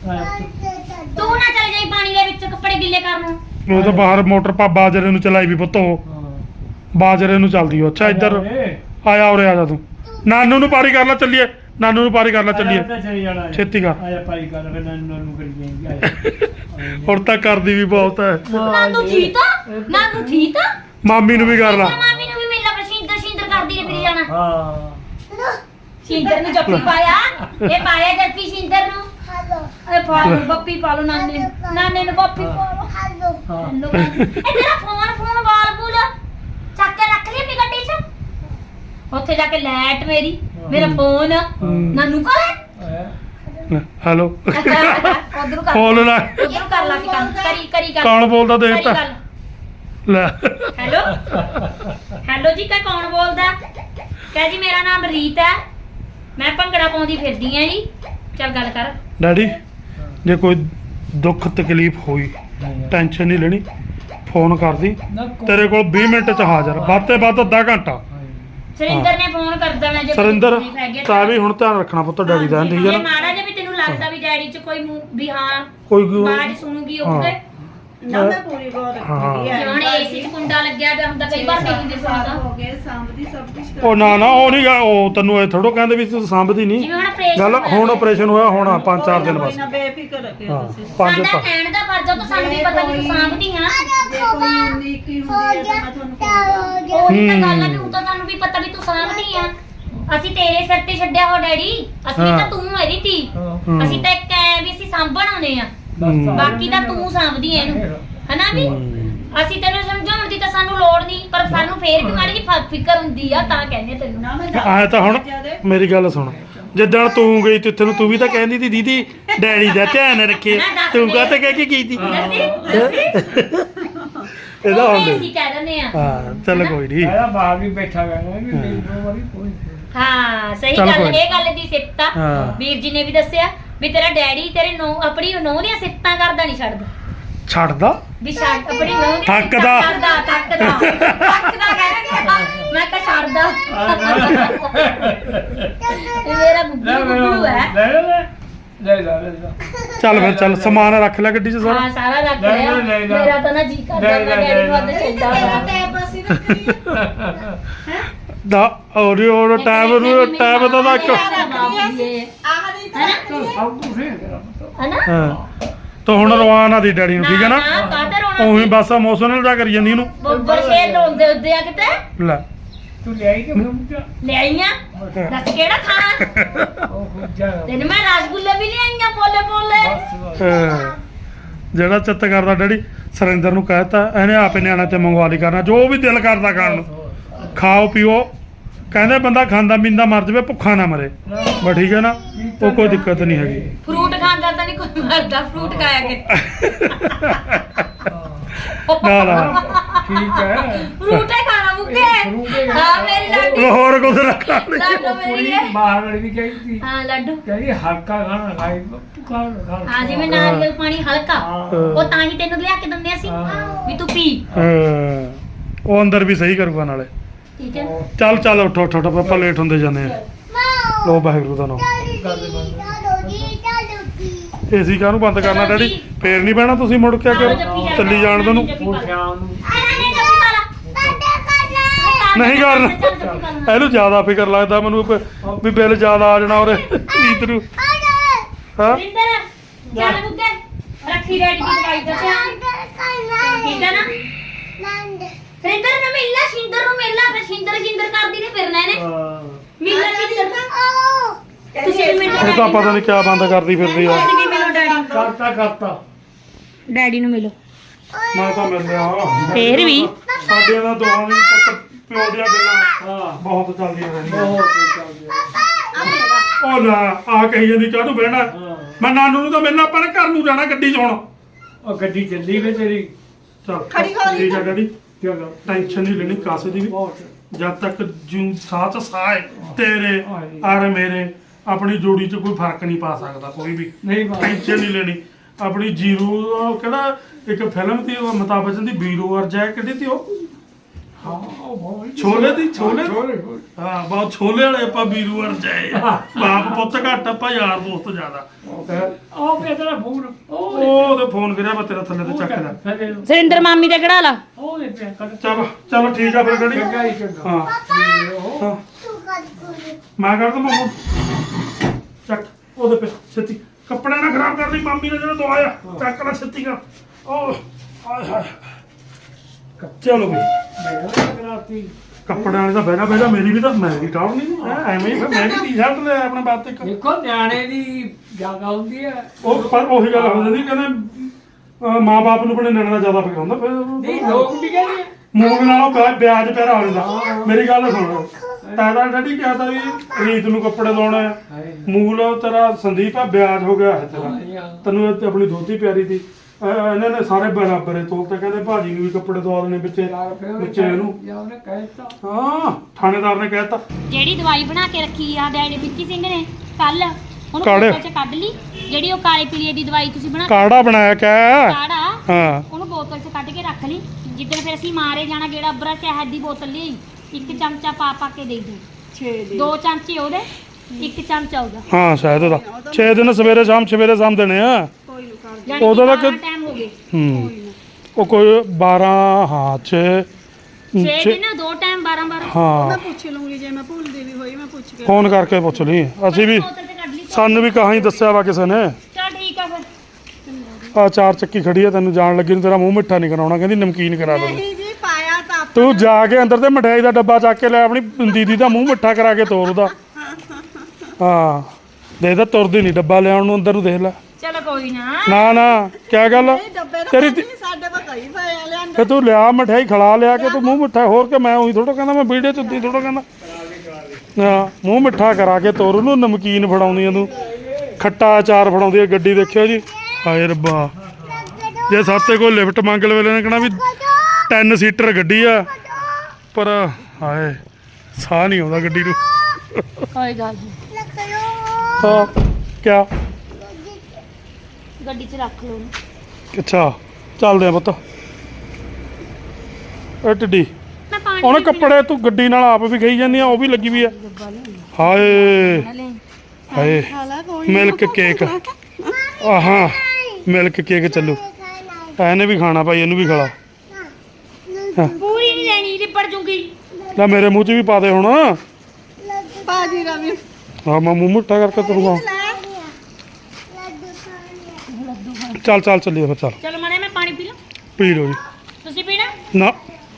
S1: ਕੇ। ਤੂੰ ਨਾ ਚਲ ਜਾਈ ਪਾਣੀ ਦੇ ਵਿੱਚ ਕੱਪੜੇ ਗਿੱਲੇ ਕਰਨ।
S4: ਉਹ ਤਾਂ ਬਾਹਰ ਮੋਟਰ ਪਾ ਬਾਜਰੇ ਨੂੰ ਚਲਾਈ ਵੀ ਪੁੱਤ ਉਹ। ਬਾਜਰੇ ਨੂੰ ਚੱਲਦੀ ਉਹ। ਅੱਛਾ ਇੱਧਰ ਆਇਆ ਉਰੇ ਆ ਜਾ ਤੂੰ। ਨਾਨੂ ਨੂੰ ਪਾਰੀ ਕਰ ਲੈ ਚੱਲੀਏ। ਨਾਨੂ ਨੂੰ ਪਾਰੀ ਕਰ ਲੈ ਚੱਲੀਏ
S2: ਚਲੀ ਜਾਣਾ
S4: ਛੇਤੀ ਕਰ
S2: ਆਇਆ ਪਾਈ ਕਰ ਫਿਰ ਨੂੰ ਕਰੀ ਜਾਏਗੀ
S4: ਹੁਣ ਤਾਂ ਕਰਦੀ ਵੀ ਬਹੁਤ ਹੈ
S1: ਨਾਨੂ ਠੀਕ ਆ ਨਾਨੂ ਠੀਕ ਆ
S4: ਮਾਮੀ ਨੂੰ ਵੀ ਕਰ ਲਾ
S1: ਮਾਮੀ ਨੂੰ ਵੀ ਮਿਲ ਲਾ ਪਰ ਸ਼ਿੰਦਰ ਕਰਦੀ ਨੇ ਫਿਰ ਜਾਣਾ
S2: ਹਾਂ
S1: ਸ਼ਿੰਦਰ ਨੂੰ ਜੱਫੀ ਪਾਇਆ ਇਹ ਪਾਇਆ ਜੱਫੀ ਸ਼ਿੰਦਰ ਨੂੰ ਅਰੇ ਪਾਲੋ ਬੱਪੀ ਪਾਲੋ ਨਾਨੇ ਨੂੰ ਬੱਪੀ ਪਾਲੋ
S2: ਹਾਂ
S1: ਇਹ ਤੇਰਾ ਫੋਨ ਬਾਲ ਬੂਲ ਚੱਕ ਕੇ ਰੱਖ ਲਈ ਆਪਣੀ ਗੱਡੀ 'ਚ ਉੱਥੇ ਜਾ ਕੇ ਲੈਟ ਮੇਰਾ ਫੋਨ ਨਾਨੂ ਕੋਲ
S4: ਹੈਲੋ
S1: ਉਧਰ ਕਰ
S4: ਫੋਨ ਲਾ
S1: ਉਧਰ ਕਰ ਲਾ ਕਰੀ ਗੱਲ
S4: ਕੌਣ ਬੋਲਦਾ ਦੇਖ ਤਾਂ ਲੈ
S1: ਹੈਲੋ ਜੀ ਕੌਣ ਬੋਲਦਾ ਕਹੇ ਜੀ ਮੇਰਾ ਨਾਮ ਰੀਤ ਹੈ ਮੈਂ ਭੰਗੜਾ ਪਾਉਂਦੀ ਫਿਰਦੀ ਆਂ ਜੀ ਚੱਲ ਗੱਲ ਕਰ
S4: ਡੈਡੀ ਜੇ ਕੋਈ ਦੁੱਖ ਤਕਲੀਫ ਹੋਈ ਟੈਨਸ਼ਨ ਨਹੀਂ ਲੈਣੀ ਫੋਨ ਕਰਦੀ ਤੇਰੇ ਕੋਲ 20 ਮਿੰਟ ਚ ਹਾਜ਼ਰ ਵੱਧ ਤੇ ਵੱਧ ਅੱਧਾ ਘੰਟਾ
S1: ਸਰਿੰਦਰ ਨੇ ਫੋਨ ਕਰ ਦੇਣਾ ਜੇ
S4: ਸਰਿੰਦਰ ਤਾਂ ਵੀ ਹੁਣ ਧਿਆਨ ਰੱਖਣਾ ਪੁੱਤ ਡੈਡੀ ਦਾ ਠੀਕ ਹੈ
S1: ਜੇ
S4: ਨਾ
S1: ਮਾੜਾ ਜੇ ਵੀ ਤੈਨੂੰ ਲੱਗਦਾ ਵੀ ਡੈਡੀ ਚ ਕੋਈ ਵੀ ਹਾਂ
S4: ਕੋਈ
S1: ਆਵਾਜ਼ ਸੁਣੂਗੀ ਉਹਦੇ
S3: ਨਾ ਮੈਂ ਪੂਰੀ ਗੌਰ ਰੱਖੀ ਹੈ
S1: ਹੁਣ ਏਸੀ ਚ ਕੁੰਡਾ ਲੱਗਿਆ ਪਿਆ ਹੁੰਦਾ ਕਈ ਵਾਰ ਨਹੀਂ ਦਿੰਦੇ ਸੁਣਦਾ
S3: ਹੋ ਗਏ ਸਾਂਭਦੀ ਸਭ ਕੁਝ
S4: ਉਹ ਨਾ ਉਹ ਨਹੀਂ ਉਹ ਤੈਨੂੰ ਇਹ ਥੋੜੋ ਕਹਿੰਦੇ ਵੀ ਤੂੰ ਸਾਂਭਦੀ ਨਹੀਂ
S1: ਜਿਵੇਂ ਹੁਣ ਆਪਰੇਸ਼ਨ
S4: ਗੱਲ ਹੁਣ ਆਪਰੇਸ਼ਨ ਹੋਇਆ ਹੋਣਾ 5-4 ਦਿਨ ਬਸ
S3: ਨਾ ਬੇਫਿਕਰ ਰੱਖਿਓ ਤੁਸੀਂ
S4: ਪੰਜ
S1: ਸਾਡਾ ਕਹਿਣ ਦਾ ਫਰਜ਼ ਆ ਤਾਂ ਸਾਨੂੰ ਵੀ ਪਤਾ ਵੀ ਤੂੰ ਸਾਂਭਦੀ ਆ
S3: ਜੇ ਕੋਈ ਉਨੀਕੀ ਹੁੰਦੀ ਹੈ ਤਾਂ ਮੈਂ ਤੁਹਾਨੂੰ ਫੋਨ
S1: ਉਹੀ ਤਾਂ ਗੱਲ ਆ ਵੀ ਹੁਣ ਤਾਂ ਸਾਨੂੰ ਵੀ ਪਤਾ ਵੀ ਤੂੰ ਸਾਂਭਦੀ ਆ ਅਸੀਂ ਤੇਰੇ ਸਿਰ ਤੇ ਛੱਡਿਆ ਹੋ ਡੈਡੀ ਅਸੀਂ ਤਾਂ ਤੂੰ ਇਹਦੀ ਧੀ ਅਸੀਂ ਤਾਂ ਇੱਕ ਐ ਵੀ ਅਸੀਂ ਸਾਂਭਣ ਆਉਨੇ ਆ ਬਾਕੀ ਤਾਂ ਤੂੰ ਸਾਂਭਦੀ ਐ ਇਹਨੂੰ ਹਨਾ ਵੀ ਅਸੀਂ ਤੈਨੂੰ ਸਮਝਾਉਣ ਦੀ ਤਾਂ ਸਾਨੂੰ ਲੋੜ ਨਹੀਂ ਪਰ ਸਾਨੂੰ ਫੇਰ ਵੀ ਮਾੜੀ ਜਿਹੀ ਫਿਕਰ ਹੁੰਦੀ ਆ ਤਾਂ ਕਹਿੰਦੇ ਤੈਨੂੰ
S3: ਨਾ ਮੈਂ
S4: ਆਇਆ ਤਾਂ ਹੁਣ ਮੇਰੀ ਗੱਲ ਸੁਣ ਜਿੱਦਣ ਤੂੰ ਗਈ ਤੇ ਤੈਨੂੰ ਤੂੰ ਵੀ ਤਾਂ ਕਹਿੰਦੀ ਤੀ ਦੀਦੀ ਡੈਡੀ ਦਾ ਧਿਆਨ ਰੱਖੇ ਤੂੰ ਕਾਹਤੇ ਕਹਿ ਕੇ ਕੀਤੀ ਇਹਦਾ ਹੁੰਦੇ
S1: ਅਸੀਂ ਕਹਿ ਦਿੰਦੇ ਆ
S4: ਹਾਂ ਚੱਲ ਕੋਈ ਨਹੀਂ
S2: ਇਹਦਾ ਬਾਹਰ ਵੀ ਬੈਠਾ ਗਿਆ ਵੀ ਮੇਰੀ ਵਾਰੀ ਕੋਈ
S1: ਹਾਂ ਸਹੀ
S4: ਚੱਲ
S1: ਗੱਲ
S4: ਕੋਈ
S1: ਇਹ ਗੱਲ ਦੀ ਸਿੱਤਾ
S4: ਹਾਂ।
S1: ਵੀਰ ਜੀ ਨੇ ਵੀ ਦੱਸਿਆ ਵੀ ਤੇਰਾ ਡੈਡੀ ਤੇਰੇ ਨੌ ਆਪਣੀ ਨੌ ਦੀਆਂ ਸਿੱਤਾਂ ਕਰਦਾ ਨਹੀਂ ਛੱਡਦਾ
S4: ਛੱਡਦਾ
S1: ਵੀ ਛੱਡ ਆਪਣੀ ਨੌ ਦੀਆਂ
S4: ਥੱਕਦਾ।
S1: ਥੱਕਦਾ ਕਹਿੰਦਾ ਮੈਂ ਤਾਂ ਛੱਡਦਾ ਇਹ ਮੇਰਾ ਗੁੱਗੂ ਹੈ
S2: ਲੈ
S4: ਚੱਲ ਫਿਰ ਚੱਲ ਸਮਾਨ ਰੱਖ ਲੈ ਗੱਡੀ 'ਚ ਸਾਰਾ
S1: ਹਾਂ ਸਾਰਾ ਰੱਖ
S2: ਲੈ,
S1: ਲਿਆ
S2: ਲੈ, ਲੈ।
S1: ਮੇਰਾ ਤਾਂ ਨਾ ਜੀ ਕਰਦਾ
S2: ਲੈ,
S1: ਮੈਂ
S2: ਲੈ,
S1: ਡੈਡੀ ਨੂੰ
S2: ਲੈ,
S1: ਅੱਜ
S2: ਲੈ।
S1: ਚੱਲਦਾ ਹੋਇਆ
S3: ਟੈਬ ਅਸੀਂ ਰੱਖੀ
S4: ਦਾ ਔਰ ਟਾਈਮ ਦਾ ਤਾਂ ਇੱਕ
S3: ਆਹ ਨਹੀਂ ਤਾਂ
S2: ਸਭ ਕੁਝ ਹੈ ਤੇਰਾ ਪੁੱਤ
S1: ਹਨਾ
S4: ਹਾਂ ਤਾਂ ਹੁਣ ਰਵਾਨਾ ਦੀ ਡੈਡੀ ਨੂੰ ਠੀਕ ਹੈ ਨਾ
S1: ਕਾਹਤੇ ਰੋਣਾ
S4: ਉਹੀ ਬਸ ਇਮੋਸ਼ਨਲ ਜਾ ਕਰੀ ਜਾਂਦੀ ਇਹਨੂੰ
S1: ਬੱਬਰ ਸ਼ੇਰ ਰੋਂਦੇ ਹੁੰਦੇ ਆ ਕਿਤੇ
S4: ਲੈ
S2: ਤੂੰ ਲਿਆਈ ਕਿ ਫਿਰ
S1: ਲੈ ਆਈਆਂ ਦੱਸ ਕਿਹੜਾ ਖਾਣਾ
S2: ਉਹ ਖੁੱਜਾ
S1: ਤੈਨੂੰ ਮੈਂ ਰਸਗੁੱਲੇ ਵੀ ਲਿਆਈਆਂ ਪੋਲੇ ਪੋਲੇ
S2: ਬਸ
S4: ਜਿਹੜਾ ਚਿੱਤ ਕਰਦਾ ਡੈਡੀ ਸਰਿੰਦਰ ਨੂੰ ਕਹਿਤਾ ਇਹਨੇ ਆਪੇ ਨਿਆਣਾ ਤੇ ਮੰਗਵਾ ਲਈ ਕਰਨਾ ਜੋ ਵੀ ਦਿਲ ਕਰਦਾ ਖਾਣ ਨੂੰ ਖਾਓ ਪੀਓ ਕਹਿੰਦੇ ਬੰਦਾ ਖਾਂਦਾ ਪੀਂਦਾ ਮਰ ਜਾਵੇ ਭੁੱਖਾ ਨਾ ਮਰੇ ਬਸ ਠੀਕ ਹੈ ਨਾ ਉਹ ਕੋਈ ਦਿੱਕਤ ਨਹੀਂ ਹੈਗੀ
S1: ਫਰੂਟ ਖਾਂਦਾ ਤਾਂ ਨਹੀਂ ਕੋਈ ਮਰਦਾ ਫਰੂਟ ਖਾਇਆ ਕਿ
S4: ਨਾ ਨਾ
S2: ਠੀਕ ਹੈ
S1: ਫਰੂਟ ਹੀ ਖਾਣਾ ਮੁੱਕੇ ਹਾਂ ਮੇਰੀ ਲਾਡੀ
S4: ਉਹ ਹੋਰ ਕੁਝ ਰੱਖਾ ਨਹੀਂ
S1: ਲਾਡੋ ਮੇਰੀ
S2: ਪੂਰੀ
S1: ਹੈ
S2: ਬਾਹਰ ਵਾਲੀ ਵੀ ਕਹੀ ਸੀ
S1: ਹਾਂ ਲੱਡੂ
S2: ਕਹਿੰਦੀ ਹਲਕਾ ਖਾਣਾ ਖਾਈ ਭੁੱਖਾ ਖਾਣਾ
S1: ਹਾਂ ਜਿਵੇਂ ਨਾਰੀਅਲ ਪਾਣੀ ਹਲਕਾ
S2: ਹਾਂ।
S1: ਉਹ ਤਾਂ ਹੀ ਤੈਨੂੰ ਲਿਆ ਕੇ ਦਿੰਦੇ ਅਸੀਂ
S2: ਹਾਂ।
S1: ਵੀ ਤੂੰ ਪੀ
S4: ਹਾਂ, ਉਹ ਅੰਦਰ ਵੀ ਸਹੀ ਕਰੂਗਾ ਨਾਲੇ
S1: ਠੀਕ ਹੈ
S4: ਚੱਲ ਚੱਲ ਉੱਠੋ ਉੱਠੋ ਉੱਠੋ, ਆਪਾਂ ਲੇਟ ਹੁੰਦੇ ਜਾਂਦੇ ਆ ਲੋ ਵਾਹਿਗੁਰੂ ਦਾ ਨਾਮ ਏਸੀ ਕਾਹਨੂੰ ਬੰਦ ਕਰਨਾ ਡੈਡੀ ਫੇਰ ਨਹੀਂ ਬਹਿਣਾ ਤੁਸੀਂ ਮੁੜ ਕੇ ਕਿ ਚੱਲੀ ਜਾਣ ਦੋ ਨੂੰ
S2: ਉਹ ਸ਼ਾਮ ਨੂੰ
S4: ਨਹੀਂ ਕਰਨਾ ਇਹਨੂੰ ਜ਼ਿਆਦਾ ਫਿਕਰ ਲੱਗਦਾ ਮੈਨੂੰ ਵੀ ਬਿੱਲ ਜ਼ਿਆਦਾ ਆ ਜਾਣਾ ਔਰ ਰੀਤ ਨੂੰ ਹਾਂ
S1: ਰਿੰਦਰ ਚੱਲ ਬੁੱਗੇ ਰੱਖੀ ਰੈਡੀ ਦੀ ਦਵਾਈ ਦਾ ਧਿਆਨ ਠੀਕ ਹੈ ਨਾ ਰਿੰਦਰ ਨੂੰ ਮਿਲਣਾ ਸ਼ਿੰਦਰ ਨੂੰ ਮਿਲਣਾ ਫਿਰ ਸ਼ਿੰਦਰ ਕਰਦੀ ਨੇ ਫਿਰਨਾ ਇਹਨੇ ਮਿਲਣਾ ਸ਼ਿੰਦਰ ਤੁਸੀਂ ਵੀ ਮਿਲੋ
S4: ਇਹ ਤਾਂ ਪਤਾ ਨਹੀਂ ਕਿਆ ਬੰਦ ਕਰਦੀ ਫਿਰਦੀ ਆ
S1: ਤੁਸੀਂ ਵੀ ਮਿਲੋ ਡੈਡੀ
S2: ਕਰਤਾ
S1: ਡੈਡੀ ਨੂੰ ਮਿਲੋ
S4: ਮੈਂ ਤਾਂ ਮਿਲ ਲਿਆ
S1: ਫੇਰ ਵੀ
S4: ਸਾਡੇ ਦਾ ਦੋਹਾਂ ਦੀ ਪੁੱਤ ਪਿਓ ਦੀਆਂ ਗੱਲਾਂ
S2: ਹਾਂ
S4: ਬਹੁਤ ਚੱਲਦੀਆਂ ਰਹਿੰਦੀਆਂ
S2: ਬਹੁਤ ਚੱਲ ਗਿਆ
S4: ਉਹ ਲੈ ਆ ਕਹੀ ਜਾਂਦੀ ਕਾਹਨੂੰ ਬਹਿਣਾ
S2: ਹਾਂ
S4: ਮੈਂ ਨਾਨੂ ਨੂੰ ਤਾਂ ਮਿਲਣਾ ਆਪਾਂ ਨੇ ਘਰ ਨੂੰ ਜਾਣਾ ਗੱਡੀ 'ਚ ਹੁਣ
S2: ਉਹ ਗੱਡੀ ਚੱਲੀ ਵੇ ਤੇਰੀ
S4: ਚੱਲ
S3: ਖੜੀ ਹੋ ਰਹੀ
S4: ਠੀਕ ਆ ਡੈਡੀ
S2: ਚਲੋ
S4: ਟੈਨਸ਼ਨ ਨਹੀਂ ਲੈਣੀ ਕਾਸੇ ਦੀ ਵੀ
S2: ਬਹੁਤ
S4: ਜਦ ਤੱਕ ਜੂ ਸਾਹ ਚ ਸਾਹ ਹੈ ਤੇਰੇ ਔਰ ਮੇਰੇ ਆਪਣੀ ਜੋੜੀ 'ਚ ਕੋਈ ਫਰਕ ਨਹੀਂ ਪਾ ਸਕਦਾ ਕੋਈ ਵੀ
S2: ਨਹੀਂ ਬਾਤ
S4: ਟੈਨਸ਼ਨ ਨਹੀਂ ਲੈਣੀ ਆਪਣੀ ਜੀਰੋ ਕਿਹੜਾ ਇੱਕ ਫਿਲਮ ਦੀ ਉਹ ਅਮਿਤਾਭ ਬੱਚਨ ਦੀ ਵੀਰੋ ਅਰਜੈ ਕਿਹੜੀ ਤੀ ਉਹ
S2: ਹਾਂ ਉਹ ਬਹੁਤ
S4: ਛੋਲੇ ਦੀ ਛੋਲੇ
S2: ਛੋਲੇ
S4: ਹਾਂ ਬਹੁਤ ਛੋਲੇ ਵਾਲੇ ਆਪਾਂ ਵੀਰੋ ਅਰਜੈ ਬਾਪ ਪੁੱਤ ਘੱਟ ਆਪਾਂ ਯਾਰ ਦੋਸਤ ਜ਼ਿਆਦਾ
S2: ਉਹ ਪਿਆ ਤੇਰਾ ਫੋਨ ਉਹ
S4: ਉਹਦੇ ਫੋਨ ਕਰਿਆ ਮੈਂ ਤੇਰਾ ਥੱਲੇ ਤੇ ਚੱਕ ਲੈ
S1: ਸਰਿੰਦਰ ਮਾਮੀ ਦਾ ਕਢਾ ਲਾ
S2: ਉਹ ਦੇ ਪਿਆ ਕਰ
S4: ਚਲੋ ਠੀਕ ਆ ਫਿਰ ਡੈਡੀ
S2: ਚੰਗਾ ਹੀ ਚੰਗਾ
S4: ਹਾਂ ਹਾਂ ਮੈਂ ਕਰ ਦਵਾਂ ਚੱਕ ਉਹਦੇ ਪੇ ਛੇਤੀ ਕੱਪੜੇ ਨਾ ਖਰਾਬ ਕਰ ਲਈ ਮਾਮੀ ਨੇ ਜਿਹੜਾ ਦਵਾਇਆ ਚੱਕ ਲੈ ਛੇਤੀ ਕਰ ਉਹ ਹਾਏ ਹਾਏ ਚਲੋ ਬਈ
S2: ਕਰਾਤੀ
S4: ਕੱਪੜਿਆਂ ਵਾਲੇ ਤਾਂ ਬਹਿਣਾ ਮੇਰੀ ਵੀ ਤਾਂ ਮੈਂ ਵੀ ਟਾਉਣ ਨਹੀਂ ਐਵੇਂ ਹੀ ਫਿਰ ਮੈਂ ਵੀ ਟੀ-ਸ਼ਰਟ ਲੈ ਆਪਣਾ ਬਾਤ ਇੱਕ
S2: ਦੇਖੋ ਨਿਆਣੇ ਦੀ ਜਗ੍ਹਾ ਹੁੰਦੀ ਹੈ
S4: ਉਹ ਪਰ ਉਹੀ ਗੱਲ ਹੋ ਜਾਂਦੀ ਕਹਿੰਦੇ ਮਾਂ-ਬਾਪ ਨੂੰ ਆਪਣੇ ਨਿਆਣੇ ਦਾ ਜ਼ਿਆਦਾ ਫਿਕਰ ਹੁੰਦਾ ਫਿਰ
S2: ਨਹੀਂ ਲੋਕ ਵੀ ਕਹਿੰਦੇ ਆ।
S4: ਮੂੰਗ ਨਾਲੋਂ ਵਿਆਜ ਪਿਆਰਾ ਹੋ ਜਾਂਦਾ ਮੇਰੀ ਗੱਲ ਸੁਣੋ ਤਾਦਾ ਡੈਡੀ ਕਿਹਾ ਤਾਂ ਵੀ ਰੀਤ ਨੂੰ ਕੱਪੜੇ ਲਾਉਣੇ ਆ ਮੂਲ ਤੇਰਾ ਸੰਦੀਪ ਆ ਵਿਆਜ ਹੋ ਗਿਆ ਹੈ ਤੇਰਾ ਤੈਨੂੰ ਇਹ ਆਪਣੀ ਦੋਤੀ ਪਿਆਰੀ ਦੀ ਇਹਨਾਂ ਨੇ ਸਾਰੇ ਬਰਾਬਰ ਤੋਲ ਤੇ ਕਹਿੰਦੇ ਭਾਜੀ ਨੂੰ ਵੀ ਕੱਪੜੇ ਦਵਾ ਦੇਣੇ ਵਿੱਚੇ ਇਹਨੂੰ
S2: ਜਾਂ ਉਹਨੇ ਕਹਿਤਾ
S4: ਹਾਂ ਥਾਣੇਦਾਰ ਨੇ ਕਹਿਤਾ
S1: ਜਿਹੜੀ ਦਵਾਈ ਬਣਾ ਕੇ ਰੱਖੀ ਆ ਡੈਡੀ ਵਿੱਕੀ ਸਿੰਘ ਨੇ ਕੱਲ ਉਹਨੂੰ
S4: ਕਾੜੇ।
S1: ਬੋਤਲ ਚ ਕੱਢ ਲਈ ਜਿਹੜੀ ਉਹ ਕਾਲੇ ਪੀਲੀਏ ਦੀ ਦਵਾਈ ਤੁਸੀਂ ਬਣਾ
S4: ਕਾੜਾ ਬਣਾਇਆ ਕਿਆ
S1: ਕਾੜਾ
S4: ਹਾਂ
S1: ਉਹਨੂੰ ਬੋਤਲ ਚ ਕੱਢ ਕੇ ਰੱਖ ਲਈ ਜਿੱਦਣ ਫਿਰ ਅਸੀਂ ਮਾਰੇ ਜਾਣਾ ਗੇੜਾ ਬਰਾ ਸ਼ਹਿਦ ਦੀ ਬੋਤਲ ਲਈ ਇੱਕ ਚਮਚਾ ਪਾ ਕੇ ਦੇ ਦੇ
S3: 6 ਦੇ
S1: 2 ਚਮਚੇ ਉਹਦੇ ਇੱਕ ਚਮਚਾ ਉਹਦਾ
S4: ਹਾਂ ਸ਼ਾਇਦ ਉਹਦਾ 6 ਦਿਨ ਸਵੇਰੇ ਸ਼ਾਮ ਦੇਣੇ ਆ
S3: ਕੋਈ ਨੂੰ ਕਰ
S1: ਯਾਨੀ
S4: ਉਹਦਾ ਤਾਂ
S1: ਕਿ ਟਾਈਮ ਹੋ ਗਏ
S4: ਉਹ ਕੋਈ 12 ਹਾਂ 6
S1: 6 ਦਿਨ 2 ਟਾਈਮ 12 12
S4: ਹਾਂ
S3: ਮੈਂ ਪੁੱਛ ਲੂੰਗੀ ਜੇ ਮੈਂ ਭੁੱਲਦੀ ਵੀ ਹੋਈ ਮੈਂ ਪੁੱਛ ਕੇ
S4: ਫੋਨ ਕਰਕੇ ਪੁੱਛ ਲਈ ਅਸੀਂ ਵੀ
S1: ਬੋਤਲ ਚ ਕੱਢ ਲਈ
S4: ਸਾਨੂੰ ਵੀ ਕਹਾਂ ਹੀ ਦੱਸਿਆ ਵਾ ਕਿਸੇ ਨੇ
S1: ਚਲ ਠੀਕ ਆ ਫਿਰ
S4: ਆ 4 ਚੱਕੀ ਖੜੀ ਆ ਤੈਨੂੰ ਜਾਣ ਲੱਗੀ ਨੂੰ ਤੇਰਾ ਮੂੰਹ ਮਿੱਠਾ ਨਹੀਂ ਕਰਾਉਣਾ ਕਹਿੰਦੀ ਨਮਕੀਨ ਕਰਾ ਦੇ
S3: ਨਹੀਂ ਜੀ ਪਾਇਆ ਤਾਂ
S4: ਤੂੰ ਜਾ ਕੇ ਅੰਦਰ ਤੇ ਮਠਿਆਈ ਦਾ ਡੱਬਾ ਚੱਕ ਕੇ ਲੈ ਆਪਣੀ ਦੀਦੀ ਦਾ ਮੂੰਹ ਮਿੱਠਾ ਕਰਾ ਕੇ ਤੋਰ ਉਹਦਾ ਹਾਂ ਦੇ ਤਾਂ ਤੁਰਦੀ ਨਹੀਂ ਡੱਬਾ ਲਿਆਉਣ ਨੂੰ ਅੰਦਰ ਨੂੰ ਦੇਖ ਲੈ
S1: ਚਲੋ ਕੋਈ ਨਾ
S4: ਨਾ ਕਿਆ ਗੱਲ
S3: ਨਹੀਂ ਡੱਬੇ ਤਾਂ
S4: ਤੇਰੀ
S3: ਨਹੀਂ, ਸਾਡੇ ਕੋਲ ਕਈ ਪਏ ਆ ਲਿਆਂਦੇ
S4: ਤੇ ਤੂੰ ਲਿਆ ਮਠਿਆਈ ਖਿਲਾ ਲਿਆ ਕੇ ਤੂੰ ਮੂੰਹ ਮਿੱਠਾ ਹੋਰ ਕਿ ਮੈਂ ਉਹੀ ਥੋੜਾ ਕਹਿੰਦਾ ਮੈਂ ਵੀਡੀਓ ਚ ਉੱਦੀ ਥੋੜਾ ਕਹਿੰਦਾ ਹਾਂ ਮੂੰਹ ਮਿੱਠਾ ਕਰਾ ਕੇ ਤੋਰ ਉਹਨੂੰ ਨਮਕੀਨ ਫੜਾਉਂਦੀਆਂ ਤੂੰ ਖੱਟਾ ਅਚਾਰ ਫੜਾਉਂਦੀ ਆ ਗੱਡੀ ਦੇਖਿਓ ਜੀ ਹਾਏ ਰੱਬਾ ਜੇ ਸਾਤੇ ਕੋਈ ਲਿਫਟ ਮੰਗ ਲਵੇ ਨੇ ਕਹਣਾ ਵੀ 10 ਸੀਟਰ ਗੱਡੀ ਆ ਪਰ ਹਾਏ ਸਾਹ ਨਹੀਂ ਆਉਂਦਾ ਗੱਡੀ ਨੂੰ
S1: ਕੋਈ ਗੱਲ ਨਹੀਂ
S4: ਹਾਂ ਕਿਆ
S1: ਗੱਡੀ 'ਚ ਰੱਖ ਲਓ ਉਹਨੂੰ।
S4: ਅੱਛਾ ਚੱਲਦੇ ਆ ਪੁੱਤ ਇਹ ਟਿੱਡੀ
S1: ਮੈਂ ਪਾਣੀ
S4: ਉਹਨੇ ਕੱਪੜੇ ਤੂੰ ਗੱਡੀ ਨਾਲ ਆਪ ਵੀ ਗਈ ਜਾਂਦੀ ਆ ਉਹ ਵੀ ਲੱਗੀ ਵੀ ਆ ਹਾਏ ਹਾਏ
S3: ਖਾਲਾ ਕੋਈ
S4: ਮਿਲਕ ਕੇਕ ਆਹਾਂ ਮਿਲਕ ਕੇਕ ਚੱਲੂ ਇਹਨੇ ਵੀ ਖਾਣਾ ਭਾਈ ਇਹਨੂੰ ਵੀ ਖਿਲਾ
S1: ਪੂਰੀ ਨਹੀਂ ਲੈਣੀ ਲਿਪੜ ਜੂਗੀ
S4: ਲੈ ਮੇਰੇ ਮੂੰਹ 'ਚ ਵੀ ਪਾ ਦੇ ਹੁਣ
S3: ਬਾਜੀ ਦਾ ਵੀ
S4: ਹਾਂ ਮੈਂ ਮੂੰਹ ਮਿੱਠਾ ਕਰਕੇ ਤੁਰੂਗਾ ਚੱਲ ਚੱਲੀਏ ਫਿਰ ਚੱਲ
S1: ਚਲੋ ਮਨੇ ਮੈਂ ਪਾਣੀ ਪੀ ਲਾਂ
S4: ਪੀ ਲਓ ਜੀ
S1: ਤੁਸੀਂ ਪੀਣਾ
S4: ਨਾ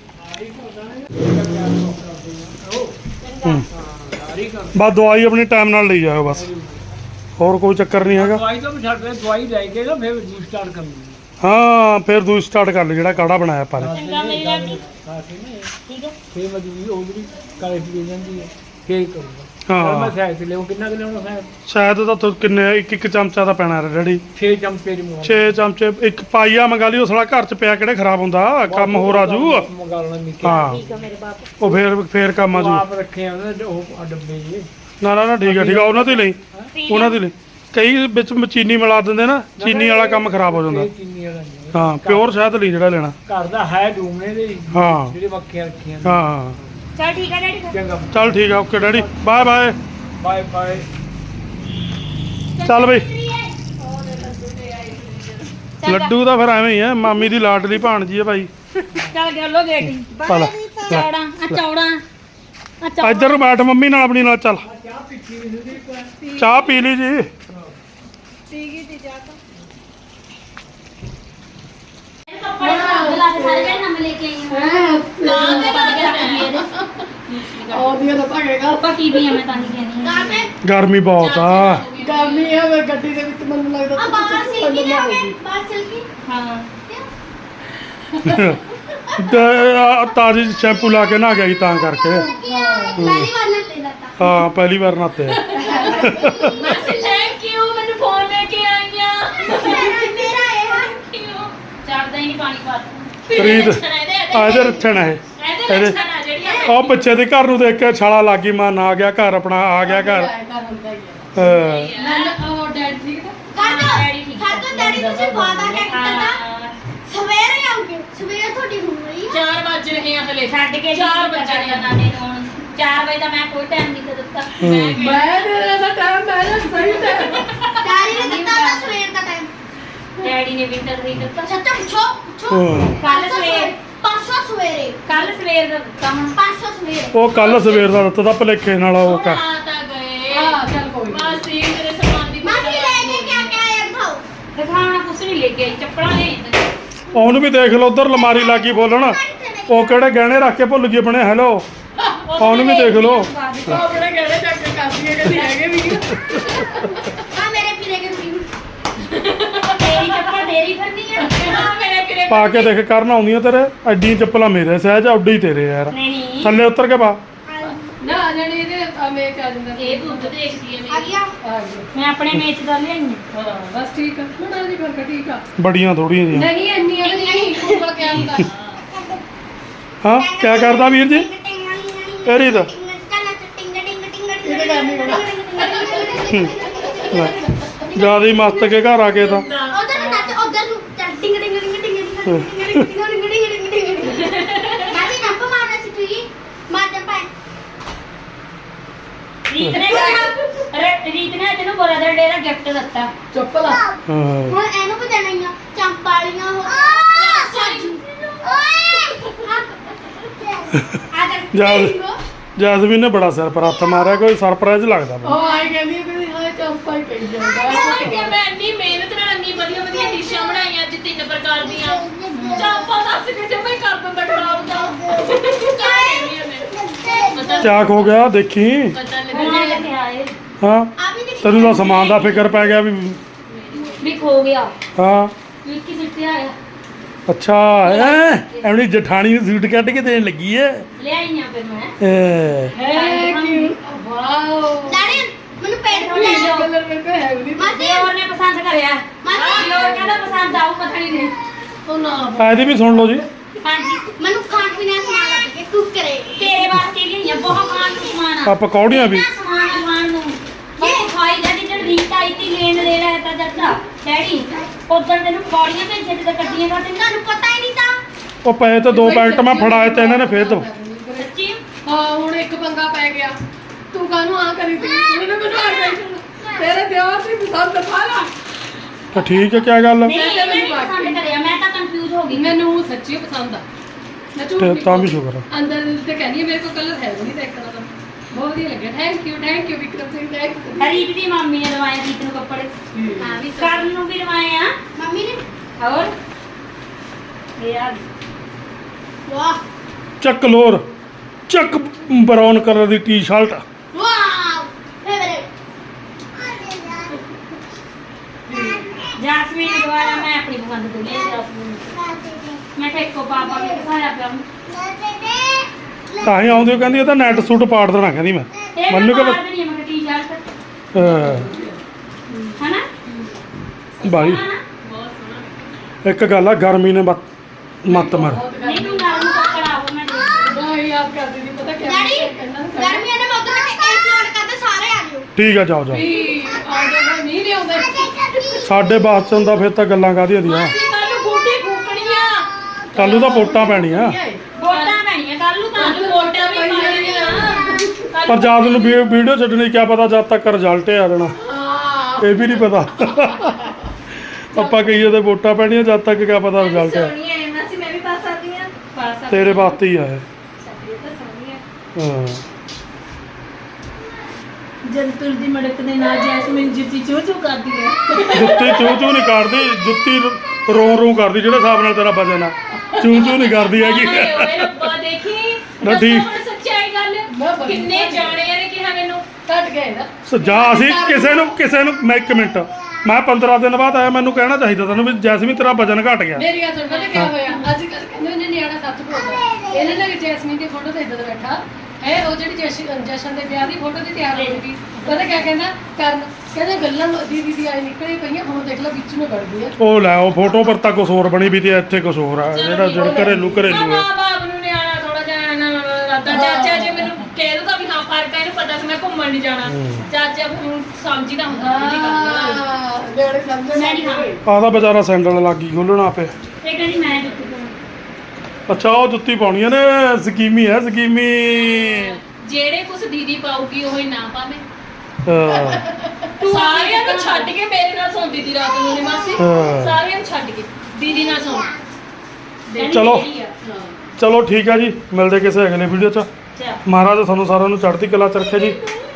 S4: ਬਸ ਦਵਾਈ ਆਪਣੀ ਟਾਈਮ ਨਾਲ ਲਈ ਜਾਓ ਬਸ ਹੋਰ ਕੋਈ ਚੱਕਰ ਨਹੀਂ ਹੈਗਾ
S2: ਦਵਾਈ ਤਾਂ ਛੱਡ ਦੇ ਦਵਾਈ ਲੈ ਕੇ ਨਾ ਫਿਰ ਸਟਾਰਟ ਕਰ ਲੂੰਗੀ
S4: ਹਾਂ ਫਿਰ ਦੂਜੀ ਸਟਾਰਟ ਕਰ ਲਈ ਜਿਹੜਾ ਕਾੜਾ ਬਣਾਇਆ ਆਪਾਂ ਨੇ
S1: ਚੰਗਾ ਮੇਰੀ ਰਾਤੀ ਠੀਕ ਹੈ
S2: ਫਿਰ ਮੈਂ ਦੂਜੀ ਉਹ ਜਿਹੜੀ ਕਾਲੇ ਪੀ ਜਾਂਦੀ ਹੈ ਫੇਰ ਕਰੂੰਗਾ
S4: ਹਾਂ।
S2: ਮੈਂ ਸਾਇਦ ਲਿਆਉਂ ਕਿੰਨਾ ਕਿ ਲਿਆਉਣਾ ਸਾਇਦ
S4: ਸ਼ਾਇਦ ਤਾਂ ਤੂੰ ਕਿੰਨੇ ਇੱਕ ਚਮਚਾ ਤਾਂ ਪੈਣਾ ਡੈਡੀ
S2: 6 ਚਮਚੇ ਦੀ ਮੂੰਹ
S4: 6 ਚਮਚੇ ਇੱਕ ਪਾਈਆ ਮੰਗਾ ਲਈ ਉਹ ਸਾਲਾ ਘਰ ਚ ਪਿਆ ਕਿਹੜੇ ਖਰਾਬ ਹੁੰਦਾ ਕੰਮ ਹੋ ਰਾਜੂ
S2: ਮੰਗਾ ਲੈਣਾ ਨਿੱਕੇ
S4: ਹਾਂ
S1: ਠੀਕ ਹੈ ਮੇਰੇ ਬਾਪ
S4: ਉਹ ਫੇਰ ਕੰਮ
S2: ਉਹ
S4: ਆਜੂ
S2: ਆਪ ਰੱਖੇ ਆ ਉਹਨੇ ਉਹ ਡੱਬੇ ਜੀ
S4: ਨਾ ਠੀਕ ਆ ਉਹਨਾਂ ਤੇ ਲਈ ਉਹਨਾਂ ਦੇ ਲਈ ਕਈ ਵਿੱਚ ਚੀਨੀ ਮਿਲਾ ਦਿੰਦੇ ਨਾ ਚੀਨੀ ਵਾਲਾ ਕੰਮ ਖਰਾਬ ਹੋ ਜਾਂਦਾ
S2: ਇਹ ਚੀਨੀ ਵਾਲਾ ਨਹੀਂ
S4: ਹਾਂ ਪਿਓਰ ਸ਼ਹਿਦ ਲਈ ਜਿਹੜਾ ਲੈਣਾ
S2: ਘਰ ਦਾ ਹੈ ਡੂਮਣੇ ਦੇ
S4: ਹਾਂ
S2: ਜਿਹੜੇ ਮੱਖੀਆਂ ਰੱਖੀਆਂ ਨੇ।
S4: ਹਾਂ
S1: ਚਲ ਠੀਕ ਹੈ ਡੈਡੀ
S2: ਚੰਗਾ
S4: ਚੱਲ ਠੀਕ ਆ okay daddy bye bye
S2: bye bye
S4: ਚੱਲ ਬਈ ਲੱਡੂ ਤਾਂ ਫਿਰ ਐਵੇਂ ਹੀ ਆ ਮਾਮੀ ਦੀ ਲਾਡਲੀ ਭਾਣਜੀ ਆ ਭਾਈ
S1: ਚੱਲ ਗਿਆ ਲੋ ਗੇਟੀ
S4: ਚੱਲ
S1: ਚੌੜਾ
S4: ਇੱਧਰ ਨੂੰ ਬੈਠ ਮੰਮੀ ਨਾਲ ਆਪਣੀ ਨਾਲ ਚੱਲ ਚਾਹ ਪੀ ਲਈ ਜੀ
S3: ਪੀ ਗਈ ਤੀ ਜਾ ਤਾਂ
S1: ਸਾਰੇ ਜਣੇ ਨੰਮ ਲੈ ਕੇ ਆਈ ਹਾਂ ਕਾਂ ਦੇ ਪਾ ਕੇ ਰੱਖ ਲਈ ਇਹਦੇ
S3: ਆਉਂਦੀਆਂ ਤਾਂ ਭਾਗੇਗਾ
S1: ਪੱਕੀ ਵੀ ਆ ਮੈਂ ਤਾਂ ਨਹੀਂ ਕਹਿੰਦੀ
S4: ਗਰਮੀ ਬਹੁਤ ਆ
S3: ਗਰਮੀ ਹੈ ਵੇ ਗੱਡੀ ਦੇ ਵਿੱਚ ਮੈਨੂੰ ਲੱਗਦਾ
S1: ਬਾਹਰ ਸੀ ਕਿ ਬਾਹਰ ਚਲ ਗਈ ਹਾਂ
S4: ਤਾਜ਼ੀ ਸ਼ੈਂਪੂ ਲਾ ਕੇ ਨਹਾ ਗਿਆ ਸੀ ਤਾਂ ਕਰਕੇ
S1: ਪਹਿਲੀ ਵਾਰ ਨਾ ਲੈ ਲਤਾ
S4: ਹਾਂ ਪਹਿਲੀ ਵਾਰ ਨਹਾਤੇ
S1: ਮਾਸੀ ਥੈਂਕ ਯੂ ਮੈਨੂੰ ਫੋਨ ਲੈ ਕੇ ਆਈਆਂ ਮੇਰਾ ਇਹ ਚੜਦਾ ਹੀ ਨਹੀਂ ਪਾਣੀ ਪਾ
S4: ਪ੍ਰੀਤ ਇਹਦੇ ਰੱਖਣ ਹੈ ਇਹਦੇ ਉਹ ਬੱਚੇ ਦੇ ਘਰ ਨੂੰ ਦੇਖ ਕੇ ਛਾਲਾ ਲੱਗ ਗਈ ਮਾਂ ਨਾ ਗਿਆ ਘਰ ਆਪਣਾ ਆ ਗਿਆ ਘਰ
S1: ਉਹ ਡੈਡ ਠੀਕ
S5: ਕਰ ਦੋ ਡੈਡੀ ਤੁਸੀਂ ਵਾਦਾ ਕਿਆ ਕੀਤਾ ਨਾ ਸਵੇਰੇ ਆਉਂਗੇ ਸਵੇਰ ਤੁਹਾਡੀ ਹੋ ਰਹੀ
S1: 4 ਵਜ ਰਹੇ ਆ ਹਲੇ ਛੱਡ ਕੇ 4 ਵਜ ਰਹੇ ਆ ਨਾਨੇ ਨੂੰ 4 ਵਜੇ ਦਾ ਮੈਂ ਕੋਈ ਟਾਈਮ ਨਹੀਂ ਦਿੱਤਾ
S3: ਮੈਂ ਤੇਰਾ ਟਾਈਮ ਮੈਂ ਸਹੀ ਟਾਈਮ
S5: ਡੈਡੀ ਨੇ ਦਿੱਤਾ ਤਾਂ ਸਵੇਰ ਦਾ ਟਾਈਮ
S1: ਡੈਡੀ ਨੇ ਵਿੰਟਰ ਨਹੀਂ ਦਿੱਤਾ
S5: ਸੱਚਾ ਪੁੱਛੋ
S1: ਕੱਲ ਸਵੇਰ
S5: ਪਰਸੋਂ ਸਵੇਰੇ
S1: ਕੱਲ ਸਵੇਰ ਦਾ ਦਿੱਤਾ ਹੁਣ
S5: ਪਰਸੋਂ ਸਵੇਰੇ
S4: ਉਹ ਕੱਲ ਸਵੇਰ ਦਾ ਦਿੱਤਾ ਤਾਂ ਭਲੇਖੇ ਨਾਲ ਉਹ
S1: ਆ ਤਾਂ ਗਏ
S3: ਚੱਲ ਕੋਈ
S1: ਮਾਸੀ ਮੇਰੇ ਲੈ ਕੇ ਆਈ ਚੱਪਲਾਂ ਲੈ ਆਈ
S4: ਉਹਨੂੰ ਵੀ ਦੇਖ ਲਓ ਉਧਰ ਲਮਾਰੀ ਲੱਗੀ ਬੋਲਣ ਉਹ ਕਿਹੜੇ ਗਹਿਣੇ ਰੱਖ ਕੇ ਭੁੱਲ ਗਏ ਆਪਣੇ ਹੈਲੋ ਉਹਨੂੰ ਵੀ ਦੇਖ ਲਓ
S3: ਆਪਣੇ ਗਹਿਣੇ ਚੱਕ ਕੇ ਕਰਦੀਆਂ ਕਦੀ ਹੈਗੇ ਵੀ
S5: ਆ ਮੇਰੇ ਪੀਰੇ ਕੇ ਤੁਸੀਂ
S1: ਤੇਰੀ ਚੱਪਲ ਤੇਰੀ ਫਿਰਨੀ ਆ
S3: ਮੇਰੇ ਕਿਰੇ
S4: ਪਾ ਕੇ ਦੇਖ ਕਰਨ ਆਉਂਦੀਆਂ ਤੇਰੇ ਐਡੀਆਂ ਚੱਪਲਾਂ ਮੇਰੇ ਸਹਿਜ ਉੱਡੀ ਹੀ ਤੇਰੇ ਯਾਰ
S1: ਨਹੀਂ
S4: ਥੱਲੇ ਉਤਰ ਕੇ ਪਾ
S3: ਨਾ ਆ ਜਾਣੀ ਇਹਦੇ ਮੇਚ ਆ ਜਾਂਦਾ
S1: ਇਹ ਦੁੱਧ ਦੇਖਦੀ ਹੈ
S5: ਆ
S1: ਮੇਰੀ
S5: ਗਿਆ
S3: ਆ ਗਿਆ
S1: ਮੈਂ ਆਪਣੇ ਮੇਚ ਦਾ ਲਿਆਈ
S3: ਹਾਂ ਬਸ ਠੀਕ ਆ ਬਣਾ ਦੀ ਫਿਰ ਠੀਕ ਆ
S4: ਬੜੀਆਂ ਥੋੜੀਆਂ ਜੀਆਂ
S3: ਨਹੀਂ ਇੰਨੀਆਂ ਤਾਂ ਨਹੀਂ ਕੋਲ ਕੇ ਆਉਂਦਾ
S4: ਹਾਂ ਕਿਆ ਕਰਦਾ ਵੀਰ ਜੀ ਇਹਦੀ ਤਾਂ
S3: ਇਹਦੇ ਕਰਨੀ ਬਣਾ
S4: ਜਿਆਦਾ ਹੀ ਮਸਤ ਕੇ ਘਰ ਆ ਕੇ ਤਾਂ
S5: ਉਧਰ ਨੂੰ ਨੱਚ ਉਧਰ ਨੂੰ ਚੱਲ ਟਿੰਗ ਟਿੰਗ ਟਿੰਗ ਟਿੰਗ ਟਿੰਗ ਟਿੰਗ ਟਿੰਗ ਮਾਜੀ ਨੱਪ ਮਾਰਨਾ ਸੀ ਤੂੰ ਮਾਰ ਦੇ ਪਾਏ
S1: ਰੀਤ ਨੇ ਤੈਨੂੰ ਬ੍ਰਦਰ ਡੇ ਦਾ ਗਿਫਟ ਦਿੱਤਾ
S3: ਚੱਪਲ ਆ
S4: ਹਾਂ
S5: ਹੁਣ ਇਹਨੂੰ ਵੀ ਦੇਣਾ ਹੀ ਆ ਚੰਪਾਲੀਆਂ ਹੋ
S4: ਜੈਸਮੀਨ ਨੇ ਬੜਾ ਸਿਰ ਪਰ ਹੱਥ ਮਾਰਿਆ ਕੋਈ ਸਰਪ੍ਰਾਈਜ਼ ਲੱਗਦਾ ਮੈਨੂੰ
S3: ਉਹ ਆਈ ਕਹਿੰਦੀ ਕਿ ਹਾਂ ਚੱਪਲ ਹੀ ਪਈ ਜਾਂਦਾ
S6: ਕਿ ਮੈਂ ਇੰਨੀ ਮਿਹਨਤ ਨਾਲ ਇੰਨੀ ਵਧੀਆ ਵਧੀਆ ਡਿਸ਼ਾਂ ਬਣਾਈਆਂ ਅੱਜ 3 ਪ੍ਰਕਾਰ ਦੀਆਂ ਚਾਪਾ ਦੱਸ ਕੇ ਜੇ ਮੈਂ ਕਰ ਦਿੰਦਾ ਖਰਾਬ ਤਾਂ
S4: ਚਾਕ ਹੋ ਗਿਆ ਦੇਖੀ
S6: ਪਤਾ
S1: ਹੋਣਾ
S6: ਲੱਗਾ
S1: ਕਿੱਥੇ ਆਏ
S4: ਹਾਂ ਤੈਨੂੰ ਤਾਂ ਸਮਾਨ ਦਾ ਫਿਕਰ ਪੈ ਗਿਆ
S1: ਵੀ ਖੋ ਗਿਆ
S4: ਹਾਂ
S1: ਵਿੱਕੀ ਸਿੱਟੇ ਆਇਆ
S4: ਅੱਛਾ ਐਵਣੀ ਜਠਾਣੀ ਨੂੰ ਸੂਟ ਕੱਢ ਕੇ ਦੇਣ ਲੱਗੀ ਐ
S1: ਲਿਆਈਆਂ ਫਿਰ ਮੈਂ
S3: ਹੈ ਕਿ ਵਾਓ
S5: ਡੈਡੀ ਮੈਨੂੰ ਪੇਟ
S1: ਥੋੜੀ
S5: ਫੁੱਲਿਆ
S1: ਜਿਹੀ
S3: ਕਲਰ ਮੇਰੇ ਕੋਲ ਹੈ ਵੀ ਨਹੀਂ
S5: ਮਾਸੀ
S1: ਹੋਰ ਨੇ ਪਸੰਦ ਕਰਿਆ ਹੋਰ ਕਹਿੰਦਾ ਪਸੰਦ ਆਊ ਪਤਾ ਨਹੀਂ ਨੇ
S3: ਉਹ ਨਾ
S4: ਇਹਦੀ ਵੀ ਸੁਣ ਲਓ ਜੀ
S1: ਹਾਂਜੀ
S5: ਮੈਨੂੰ ਖਾਣ ਪੀਣ ਦਾ ਸਮਾਨ ਲੱਗ ਗਿਆ ਕੁੱਕਰੇ
S1: ਤੇਰੇ ਵਾਸਤੇ ਲਿਆਈਆਂ ਬਹੁਤ ਖਾਣ ਨੂੰ ਸਮਾਨ
S4: ਆ ਪਕੌੜੀਆਂ ਵੀ
S1: ਕਿੰਨਾ ਸਮਾਨ ਆ ਖਾਣ ਨੂੰ ਉਹ ਖਾਈ ਜਾਂਦੀ ਜਦ ਰੀਤ ਆਈ ਤੀ ਲੈਣ ਦੇ ਰਿਹਾ ਤਾਂ ਜੱਟਾ ਡੈਡੀ ਉਧਰ ਤੈਨੂੰ ਪੌੜੀਆਂ ਭੇਜੇ ਤੇ ਕੱਟੀਆਂ ਕਰ ਤੈਨੂੰ
S5: ਤੁਹਾਨੂੰ ਪਤਾ ਹੀ ਨਹੀਂ ਤਾਂ
S4: ਉਹ ਪਏ ਤੇ 2 ਪੈਕਟ ਮੈਂ ਫੜਾਏ ਤੇ ਇਹਨਾਂ ਨੇ ਫੇਰ ਦੋ
S1: ਸੱਚੀ
S3: ਹਾਂ ਹੁਣ ਇੱਕ ਪੰਗਾ ਪੈ ਗਿਆ ਤੂੰ ਕਾਹਨੂੰ ਆ ਕਰੀ ਤੀ ਮੈਨੂੰ ਆ ਗਈ ਤੇਰੇ ਦਿਵਾਰ ਦੀ ਪਸੰਦ ਪਾ ਲਾ
S4: ਤਾਂ ਠੀਕ ਹੈ ਕਿਆ ਗੱਲ
S1: ਨਹੀਂ ਮੈਂ ਨਹੀਂ ਪਸੰਦ ਕਰਿਆ ਮੈਂ ਤਾਂ ਕੰਫਿਊਜ਼ ਹੋ ਗਈ
S3: ਮੈਨੂੰ ਸੱਚੀ ਪਸੰਦ ਆ ਮੈਂ ਝੂਠ
S4: ਤੇ
S3: ਨਹੀਂ
S4: ਤਾਂ ਵੀ ਸ਼ੁਕਰ ਆ
S3: ਅੰਦਰ ਤੇ ਕਹਿੰਦੀ ਮੇਰੇ ਕੋਲ ਕਲਰ ਹੈ ਵੀ ਨਹੀਂ ਦੇਖਣਾ ਤਾਂ ਬਹੁਤ ਵਧੀਆ ਲੱਗਿਆ thank you Vikram Singh thank you
S1: Reet ਦੀ ਮੰਮੀ ਨੇ ਦਵਾਇਆ ਰੀਤ ਨੂੰ ਕੱਪੜੇ ਹਾਂ ਵੀ ਕਰਨ ਨੂੰ ਵੀ ਦਵਾਏ ਆ
S5: ਮੰਮੀ ਨੇ
S1: ਹੋਰ ਯਾਰ
S5: ਵਾਹ
S4: ਚੱਕ ਲੋਰ ਚੱਕ ਬਰਾਊਨ ਕਲਰ ਦੀ ਟੀ-ਸ਼ਰਟ
S5: ਵਾਓ ਫੇਵਰੇਟ
S1: ਜਾਸਮੀਨ ਨੇ ਦਵਾਇਆ ਮੈਂ ਆਪਣੀ ਪਸੰਦ ਤੋਂ ਲਈ ਜਾਸਮੀਨ ਮੈਂ ਕਿਹਾ ਇੱਕੋ ਪਾਪਾ ਕੇ ਕਿਸਾਇਆ ਪਿਆ
S4: ਤਾਂ ਹੀ ਆਉਂਦੀ ਉਹ ਕਹਿੰਦੀ ਇਹ ਤਾਂ ਨੈਟ ਸੂਟ ਪਾੜ ਦੇਣਾ ਕਹਿੰਦੀ ਮੈਂ
S1: ਇਹ
S4: ਮੈਨੂੰ ਕਿ
S1: ਮਾਰ ਦੇਣੀ ਆ ਮੈਂ ਟੀ-ਸ਼ਰਟ ਹਨਾ
S4: ਭਾਈ
S6: ਬਹੁਤ ਸੋਹਣਾ
S4: ਇੱਕ ਗੱਲ ਆ ਗਰਮੀ ਨੇ ਮੱਤ ਮਾਰ
S1: ਨਹੀਂ ਤੂੰ ਨਾਲ ਨੂੰ ਕੱਪੜਾ ਹੋ ਮੈਂ ਦੇ
S3: ਨਹੀਂ ਯਾਦ ਕਰਦੀ ਨਹੀਂ ਪਤਾ ਕਿਆ
S5: ਡੈਡੀ
S3: ਕਹਿੰਦਾ
S5: ਗਰਮੀਆਂ ਦੇ ਮੌਕੇ ਤੇ ਏਸੀ ਆਨ ਕਰਦੇ ਸਾਰੇ ਆ ਜਿਓ
S4: ਠੀਕ ਆ ਜਾਓ ਜਾਓ
S3: ਵੀ ਆਉਂਦੇ ਨਹੀਂ ਲਿਆਉਂਦੇ
S4: ਸਾਡੇ ਬਾਅਦ ਚ ਹੁੰਦਾ ਫਿਰ ਤਾਂ ਗੱਲਾਂ ਕਾਹਦੀਆਂ ਦੀਆਂ
S6: ਅਸੀਂ ਕੱਲ ਨੂੰ ਗੋਡੀ ਫੂਕਣੀਆਂ
S4: ਕੱਲ ਨੂੰ ਤਾਂ ਵੋਟਾਂ ਪੈਣੀਆਂ
S1: ਵੋਟਾਂ ਪੈਣੀਆਂ ਕੱਲ ਨੂੰ ਤਾਂ
S6: ਕੱਲ ਵੋਟਾਂ ਵੀ ਪਾਣੀਆਂ
S4: ਪਰ ਜਦ ਨੂੰ ਵੀਡੀਓ ਛੱਡਣੀ ਕਿਆ ਪਤਾ ਜਦ ਤੱਕ ਰਿਜ਼ਲਟ ਆ ਜਾਣਾ
S3: ਹਾਂ
S4: ਇਹ ਵੀ ਨਹੀਂ ਪਤਾ ਆਪਾਂ ਕਹੀਏ ਤੇ ਵੋਟਾਂ ਪੈਣੀਆਂ ਜਦ ਤੱਕ ਕਿਆ ਪਤਾ ਰਿਜ਼ਲਟ ਆ
S6: ਸੋਹਣੀ ਹੈ ਮਾਸੀ ਮੈਂ ਵੀ ਪਾ ਸਕਦੀ ਹਾਂ ਪਾ ਸਕਦੀ
S4: ਤੇਰੇ ਵਾਸਤੇ ਹੀ ਆਏ
S6: ਸਾਡੀ ਤਾਂ ਸੋਹਣੀ ਹੈ
S4: ਹਾਂ
S6: ਜੰਤੁਰ ਦੀ ਮੜਕ ਦੇ ਨਾਲ ਜੈਸਮੀਨ ਜੁੱਤੀ ਚੂ ਚੂ ਕਰਦੀ ਹੈ
S4: ਜੁੱਤੀ ਚੂ ਚੂ ਨਹੀਂ ਕਰਦੀ ਜੁੱਤੀ ਰੋਂ ਰੋਂ ਕਰਦੀ ਜਿਹੜੇ ਹਿਸਾਬ ਨਾਲ ਤੇਰਾ ਵਜਨ ਆ ਚੂ ਚੂ ਨਹੀਂ ਕਰਦੀ ਹੈਗੀ
S6: ਹਾਏ ਓਏ ਰੱਬਾ ਦੇਖੀ
S4: ਨਾ
S6: ਦੱਸੋ
S4: ਠੀਕ।
S6: ਹੁਣ ਸੱਚਾਈ ਗੱਲ ਕਿੰਨੇ ਜਾਣਿਆਂ ਨੇ ਕਿਹਾ ਮੈਨੂੰ
S3: ਕੱਟ ਗਏ ਨਾ
S4: ਜਾ ਅਸੀਂ ਕਿਸੇ ਨੂੰ ਮੈਂ 1 ਮਿੰਟ ਮੈਂ 15 ਦਿਨ ਬਾਅਦ ਆਇਆ ਮੈਨੂੰ ਕਹਿਣਾ ਚਾਹੀਦਾ ਤੈਨੂੰ ਵੀ ਜੈਸਮੀਨ ਤੇਰਾ ਵਜਨ ਘਟ ਗਿਆ
S3: ਮੇਰੀ ਗੱਲ ਸੁਣ ਪਤਾ ਕਿਆ ਹੋਇਆ ਅੱਜ ਕੱਲ ਕਹਿੰਦੇ ਉਹਨੇ ਨਿਆਣਾ ਸੱਚ ਬੋਲਦਾ ਇਹਨੇ ਨਾ ਜੈਸਮੀਨ ਦੀ ਫੋਟੋ ਤੇ ਇੱਦਾਂ ਬੈਠਾ ਹੈ ਉਹ ਜਿਹੜੀ ਜਸ਼ਨ ਦੇ ਵਿਆਹ ਦੀ ਫੋਟੋ ਦੀ ਤਿਆਰ ਹੋ ਗਈ ਪਤਾ ਕਿਆ ਕਹਿੰਦਾ ਕਹਿੰਦਾ ਗੱਲਾਂ ਦੀਦੀ ਦੀ ਆਈ ਨਿਕਲੀ ਪਈਆਂ ਹੁਣ ਦੇਖ ਲਓ ਵਿੱਚ ਨੂੰ ਵੜ ਗਈ ਆ
S4: ਉਹ ਲੈ ਉਹ ਫੋਟੋ ਪਰ ਤਾਂ ਕੁਛ ਹੋਰ ਬਣੀ ਵੀ ਤੇ ਇੱਥੇ ਕੁਛ ਹੋਰ ਆ ਜਿਹੜਾ ਘਰੇਲੂ
S6: ਨਾ
S4: ਆ
S6: ਮਾਂ ਬਾਪ ਨੂੰ ਨਿਆਣਾ ਥੋੜਾ ਜਿਹਾ ਨਾ ਰਾਤਾ ਚਾਚਾ ਜੀ ਮੈਨੂੰ ਕਹਿ ਦੂਗਾ ਵੀ ਹਾਂ ਫਰਕ ਹੈ ਇਹਨੂੰ ਪਤਾ ਸੀ ਮੈਂ ਘੁੰਮਣ ਨਹੀਂ ਜਾਣਾ ਚਾਚਾ ਹੁਣ ਸਮਝੀਦਾ ਹੁੰਦਾ ਜੀ
S3: ਹਾਂ ਜਿਹੜੇ ਸਮਝ
S1: ਮੈਂ ਨਹੀਂ ਖਾਣੀ
S4: ਆਦਾ ਵਿਚਾਰਾ ਸੈਂਡਲ ਲੱਗੀ ਖੋਲਣਾ ਪਿਆ
S1: ਇਹ ਕਹਿੰਦੀ ਮੈਂ ਜੁੱਤੀ ਪਾਉਣੀ
S4: ਅੱਛਾ ਉਹ ਜੁੱਤੀ ਪਾਉਣੀਆਂ ਨੇ ਸਕੀਮੀ ਹੈ ਸਕੀਮੀ
S6: ਜਿਹੜੇ ਕੁਛ ਦੀਦੀ ਪਾਉਗੀ ਉਹ ਹੀ ਨਾ ਪਾਵੇ
S4: ਹਾਂ
S6: ਸਾਰਿਆਂ ਨੂੰ ਛੱਡ ਕੇ ਮੇਰੇ ਨਾਲ ਸੌਂਦੀ ਦੀ ਰਾਤ ਨੂੰ ਨੇ ਮਾਸੀ
S4: ਹਾਂ।
S6: ਸਾਰਿਆਂ ਨੂੰ ਛੱਡ ਕੇ ਦੀਦੀ ਨਾਲ ਸੌਂ
S1: ਕਹਿੰਦੀ
S4: ਚਲੋ।
S1: ਮੇਰੀ ਆ।
S4: ਚਲੋ ਠੀਕ ਆ ਜੀ ਮਿਲਦੇ ਕਿਸੇ ਅਗਲੇ ਵੀਡੀਓ 'ਚ
S1: ਚੱਲ
S4: ਮਹਾਰਾਜ ਤੁਹਾਨੂੰ ਸਾਰਿਆਂ ਨੂੰ ਚੜ੍ਹਦੀ ਕਲਾ ਚ ਰੱਖੇ ਜੀ